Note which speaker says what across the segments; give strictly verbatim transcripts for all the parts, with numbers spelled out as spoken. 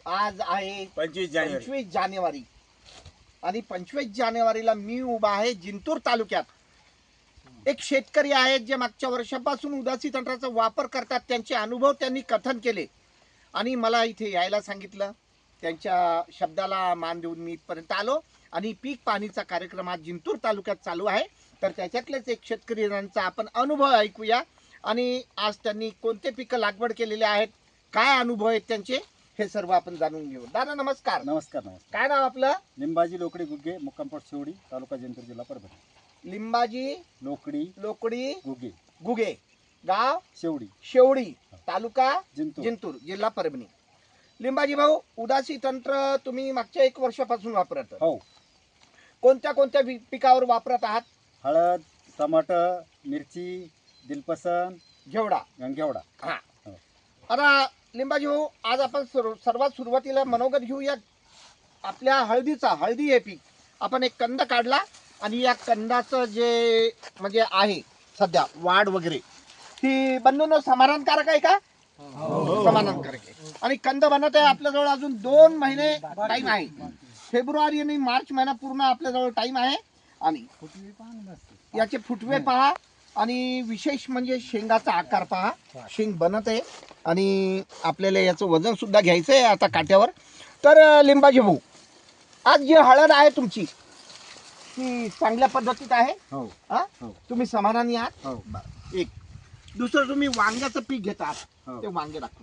Speaker 1: आज आहे
Speaker 2: पंचवीस जानेवारी
Speaker 1: पंचवीस जानेवारी आणि पंचवीस जानेवारीला मी उभा आहे जिंतूर तालुक्यात. एक शेतकरी आहेत जे मागच्या वर्षापासून उदासी तंत्राचा वापर करतात. त्यांचे अनुभव त्यांनी कथन केले आणि मला इथे यायला सांगितलं. त्यांच्या शब्दाला मान देऊन मी इथपर्यंत आलो आणि पीक पाणीचा कार्यक्रम आज जिंतूर तालुक्यात चालू आहे. तर त्याच्यातलेच एक शेतकऱ्यांचा आपण अनुभव ऐकूया आणि आज त्यांनी कोणते पिकं लागवड केलेले आहेत, काय अनुभव आहेत त्यांचे, हे सर्व आपण जाणून घेऊ. दादा नमस्कार.
Speaker 3: नमस्कार नमस्कार.
Speaker 1: काय नाव आपलं?
Speaker 3: लिंबाजी लोकडी गुगे, मुक्कामपोट शेवडी, तालुका जिंतूर, जिल्हा परभणी.
Speaker 1: लिंबाजी
Speaker 3: लोकडी
Speaker 1: लोकडी
Speaker 3: गुगे,
Speaker 1: गुगे, गाव
Speaker 3: शेवडी,
Speaker 1: शेवडी, तालुका
Speaker 3: जिंतूर.
Speaker 1: जिंतूर, जिल्हा परभणी. लिंबाजी भाऊ, उदासी तंत्र तुम्ही मागच्या एक वर्षापासून वापरत,
Speaker 3: हो.
Speaker 1: कोणत्या कोणत्या पी- पिकावर वापरत आहात?
Speaker 3: हळद, टमाटर, मिरची, दिलपसन,
Speaker 1: घेवडा.
Speaker 3: गंगेवडा.
Speaker 1: हा.
Speaker 3: हो.
Speaker 1: आता लिंबाजी भाऊ, आज आपण सर्व- सर्वात सुरुवातीला मनोगत घेऊया आपल्या हळदीचा. हळदी हे पीक आपण एक कंद काढला आणि या कंदाचं जे म्हणजे आहे सध्या वाढ वगैरे ती बंधून समाधानकारक आहे का? समाधानकारक आहे. आणि कंद बनत आहे आपल्याजवळ अजून दोन महिने टाइम आहे. फेब्रुवारी आणि मार्च महिना पूर्ण आपल्याजवळ टाइम आहे. आणि याचे फुटवे पहा आणि विशेष म्हणजे शेंगाचा आकार पहा. शेंग बनत आहे आणि आपल्याला याचं वजन सुद्धा घ्यायचं आहे आता काट्यावर. तर लिंबाजी भाऊ, आज जी हळद आहे तुमची ती चांगल्या पद्धतीत आहे.
Speaker 3: हो.
Speaker 1: हा?
Speaker 3: हो.
Speaker 1: तुम्ही समाधानी आहात?
Speaker 3: हो.
Speaker 1: एक दुसरं, तुम्ही वांग्याचं पीक घेतात.
Speaker 3: हो.
Speaker 1: ते वांगे दाखवा.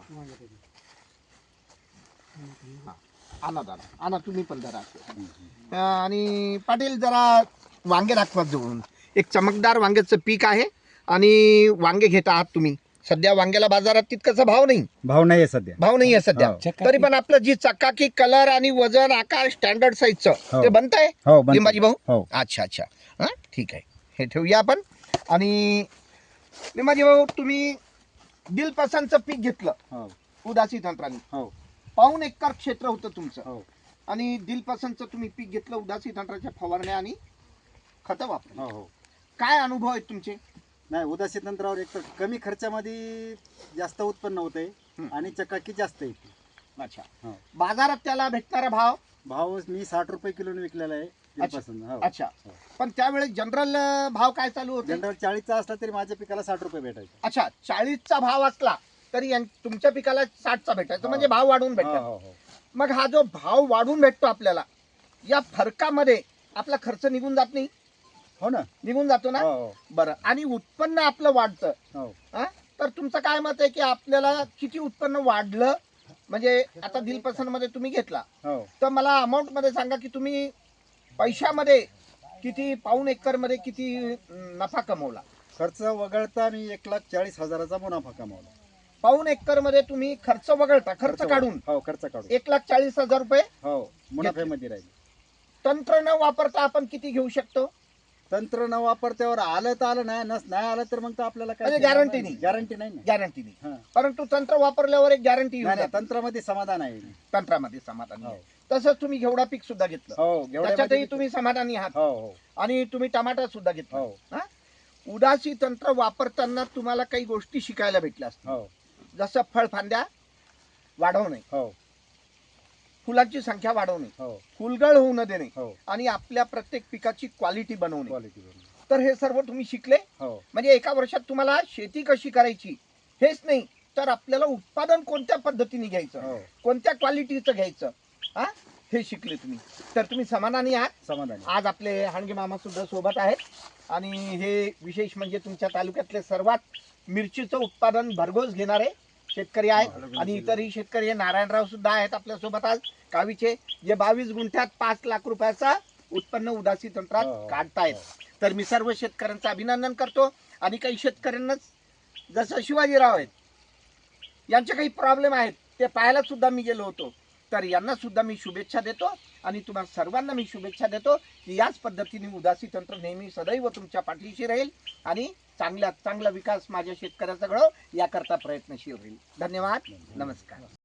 Speaker 1: हा. आणा दादा, आणा तुम्ही पण धरा. अं, आणि पाटील जरा वांगे दाखवा जवळून. एक चमकदार वांग्याचं पीक आहे आणि वांगे घेत आहात तुम्ही. सध्या वांग्याला बाजारात तितकाचा भाव नाही
Speaker 3: भाव नाही आहे सध्या.
Speaker 1: भाव नाही आहे सध्या.
Speaker 3: हो.
Speaker 1: तरी पण आपलं जी चकाकी, कलर आणि वजन, आकार स्टँडर्ड साईजचं
Speaker 3: हो.
Speaker 1: ते बनतंय
Speaker 3: हो, बनतंय.
Speaker 1: लिंबाजी भाऊ.
Speaker 3: हो.
Speaker 1: अच्छा अच्छा, हा ठीक आहे, हे ठेवूया आपण. आणि लिंबाजी भाऊ, तुम्ही दिलपसंतचं पीक घेतलं
Speaker 3: हो.
Speaker 1: उदासी तंत्राने.
Speaker 3: हो.
Speaker 1: पाऊण एकर क्षेत्र होतं तुमचं.
Speaker 3: हो.
Speaker 1: आणि दिलपसंतचं तुम्ही पीक घेतलं, उदासी तंत्राच्या फवारण्या आणि खतं वापरली.
Speaker 3: हो. हो.
Speaker 1: काय अनुभव आहेत तुमचे?
Speaker 3: नाही, उदासी तंत्रावर एक तर कमी खर्चामध्ये जास्त उत्पन्न होते
Speaker 1: हं.
Speaker 3: आणि चकाकी जास्त येते.
Speaker 1: अच्छा.
Speaker 3: हो.
Speaker 1: बाजारात त्याला भेटणारा भाव?
Speaker 3: भाव मी साठ रुपये किलोने विकलेला आहे. दिलपसन. हो.
Speaker 1: अच्छा. पण त्यावेळेस जनरल भाव काय चालू होते?
Speaker 3: जनरल चाळीसचा असला तरी माझ्या पिकाला साठ रुपये भेटायचे.
Speaker 1: अच्छा, चाळीसचा भाव असला तरी यां- तुमच्या पिकाला साठचा भेटायचा.
Speaker 3: हो.
Speaker 1: म्हणजे भाव वाढून
Speaker 3: हो,
Speaker 1: भेटतात.
Speaker 3: हो, हो.
Speaker 1: मग हा जो भाव वाढून भेटतो आपल्याला, या फरकामध्ये आपला खर्च निघून जात नाही?
Speaker 3: हो ना.
Speaker 1: निघून जातो ना.
Speaker 3: हो, हो.
Speaker 1: बरं, आणि उत्पन्न आपलं वाढतं.
Speaker 3: हो.
Speaker 1: हा? तर तुमचं काय मत आहे की आपल्याला किती उत्पन्न वाढलं? म्हणजे आता दिलपसंत मध्ये तुम्ही घेतला,
Speaker 3: हो.
Speaker 1: तर मला अमाऊंट मध्ये सांगा की तुम्ही पैशामध्ये किती, पाऊण एकर मध्ये किती अं, नफा कमवला?
Speaker 3: खर्च वगळता मी एक लाख चाळीस हजाराचा मुनाफा कमावला.
Speaker 1: पाऊण एकर मध्ये तुम्ही खर्च वगळता, खर्च
Speaker 3: खर्च
Speaker 1: काढून
Speaker 3: हो, खर्च काढून
Speaker 1: एक लाख चाळीस हजार रुपये
Speaker 3: हो मुनाफ्यामध्ये राहील.
Speaker 1: तंत्र न वापरता आपण किती घेऊ शकतो?
Speaker 3: तंत्र न वापरत्यावर आलं तर आलं, नाही नस नाही आलं तर मग तर आपल्याला
Speaker 1: म्हणजे guarantee नाही.
Speaker 3: गॅरंटी नाही ना.
Speaker 1: गॅरंटी नाही.
Speaker 3: हा.
Speaker 1: परंतु तंत्र वापरल्यावर एक गॅरंटी
Speaker 3: नाही, नाही, तंत्रामध्ये समाधान आहे.
Speaker 1: तंत्रामध्ये समाधानी
Speaker 3: हो.
Speaker 1: आहे. तसंच तुम्ही घेवडा पीक सुद्धा घेतलं,
Speaker 3: हो. घेवड्यामध्ये
Speaker 1: त्याच्यातही तुम्ही समाधानी आहात.
Speaker 3: हो. हो.
Speaker 1: आणि तुम्ही टमाटर सुद्धा घेतला.
Speaker 3: हो.
Speaker 1: हा? उदासी तंत्र वापरताना तुम्हाला काही गोष्टी शिकायला भेटल्या असतील.
Speaker 3: हो.
Speaker 1: जसं फळफांद्या वाढवणे,
Speaker 3: हो.
Speaker 1: फुलांची संख्या वाढवणे,
Speaker 3: हो.
Speaker 1: फुलगळ होऊ न देणे
Speaker 3: हो.
Speaker 1: आणि आपल्या प्रत्येक पिकाची क्वालिटी बनवणे.
Speaker 3: क्वालिटी.
Speaker 1: तर हे सर्व तुम्ही शिकले.
Speaker 3: हो.
Speaker 1: म्हणजे एका वर्षात तुम्हाला शेती कशी करायची हेच नाही, तर आपल्याला उत्पादन कोणत्या पद्धतीने घ्यायचं,
Speaker 3: हो.
Speaker 1: कोणत्या क्वालिटीचं घ्यायचं, हा हे शिकले तुम्ही. तर तुम्ही समाधानी आहात.
Speaker 3: समाधान.
Speaker 1: आज आपले हाणगे मामा सुद्धा सोबत आहेत आणि हे विशेष म्हणजे तुमच्या तालुक्यातले सर्वात मिरचीचं उत्पादन भरघोस घेणारे शेतकरी आहेत. आणि इतरही शेतकरी, हे नारायणराव सुद्धा आहेत आपल्यासोबत आज, कावीचे, जे बावीस गुंठ्यात पाच लाख रुपयाचा उत्पन्न उदासी तंत्रात
Speaker 3: हो.
Speaker 1: काढतायत. तर मी सर्व शेतकऱ्यांचं अभिनंदन करतो. आणि काही शेतकऱ्यांनाच, जसं शिवाजीराव आहेत, यांचे काही प्रॉब्लेम आहेत, ते पाहायला सुद्धा मी गेलो होतो. तर यांना सुद्धा मी शुभेच्छा देतो आणि तुम्हाला सर्वांना मी शुभेच्छा देतो की याच पद्धतीने उदासी तंत्र नेहमी सदैव तुमच्या पाठीशी राहील आणि चांगला चांगला विकास माझ्या शेतकऱ्याचा घडो याकरता प्रयत्नशील राहील. धन्यवाद. नमस्कार.